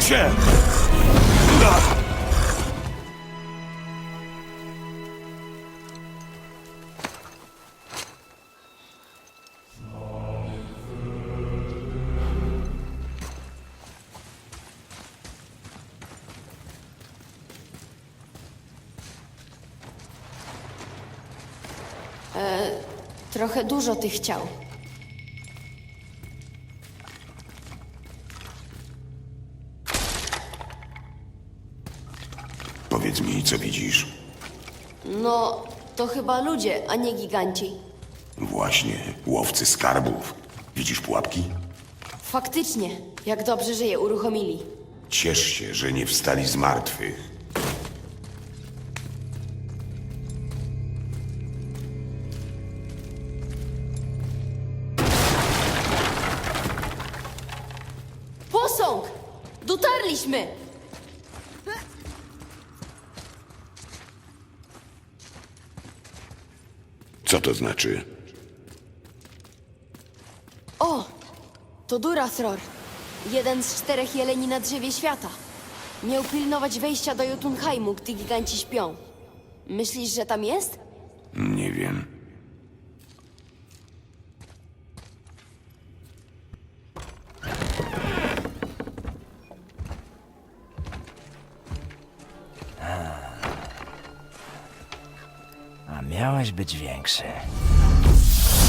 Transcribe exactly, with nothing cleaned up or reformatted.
się! Ach! Trochę dużo tych ciał. Powiedz mi, co widzisz? No, to chyba ludzie, a nie giganci. Właśnie, łowcy skarbów. Widzisz pułapki? Faktycznie, jak dobrze, że je uruchomili. Ciesz się, że nie wstali z martwych. Posąg! Dotarliśmy! Co to znaczy? O! To Durathror. Jeden z czterech jeleni na drzewie świata. Miał pilnować wejścia do Jotunheimu, gdy giganci śpią. Myślisz, że tam jest? Nie wiem. A miałeś być większy.